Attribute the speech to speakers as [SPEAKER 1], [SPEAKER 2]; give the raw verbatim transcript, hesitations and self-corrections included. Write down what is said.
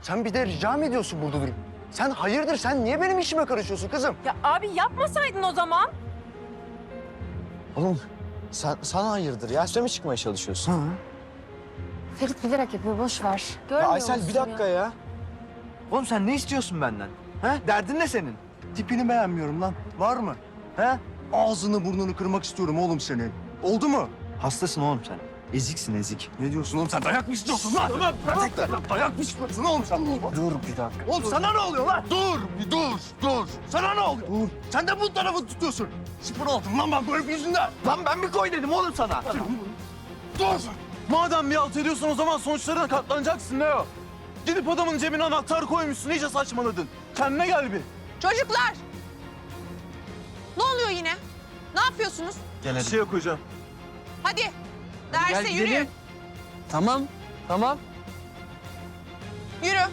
[SPEAKER 1] Sen bir de rica mı ediyorsun burada durup? Sen hayırdır? Sen niye benim işime karışıyorsun kızım?
[SPEAKER 2] Ya abi yapmasaydın o zaman.
[SPEAKER 3] Oğlum sen, sana hayırdır ya? Üstüne mi çıkmaya çalışıyorsun?
[SPEAKER 1] Ha.
[SPEAKER 4] Ferit bilerek yapıyor, boş ver.
[SPEAKER 3] Ya
[SPEAKER 4] Görmüyor
[SPEAKER 3] Aysel
[SPEAKER 4] musun
[SPEAKER 3] bir dakika ya. ya. Oğlum sen ne istiyorsun benden? Ha? Derdin ne senin?
[SPEAKER 1] Tipini beğenmiyorum lan. Var mı? He? Ağzını burnunu kırmak istiyorum oğlum senin. Oldu mu?
[SPEAKER 3] Hastasın oğlum sen. Eziksin ezik.
[SPEAKER 1] Ne diyorsun oğlum sen? Dayak mı istiyorsun lan? Tamam, bırak. Dayak mı istiyorsun oğlum sen?
[SPEAKER 3] Dur bir dakika.
[SPEAKER 1] Oğlum sana ne oluyor lan? Dur, bir dur, dur. Sana ne oluyor? Dur. Sen de bu tarafı tutuyorsun. Sıfır oldum lan ben böyle yüzünden.
[SPEAKER 3] Lan ben mi koy dedim oğlum sana?
[SPEAKER 1] Dur.
[SPEAKER 5] Madem bir alt ediyorsun o zaman sonuçlarına katlanacaksın Leo. Gidip adamın cebine anahtar koymuşsun, iyice saçmaladın. Kendine gel bir.
[SPEAKER 6] Çocuklar! Ne oluyor yine? Ne yapıyorsunuz?
[SPEAKER 3] Gel
[SPEAKER 5] Bir
[SPEAKER 3] hadi.
[SPEAKER 5] şey yok hocam.
[SPEAKER 6] Hadi derse
[SPEAKER 3] Gel
[SPEAKER 6] yürüyün.
[SPEAKER 3] gidelim. Tamam, tamam.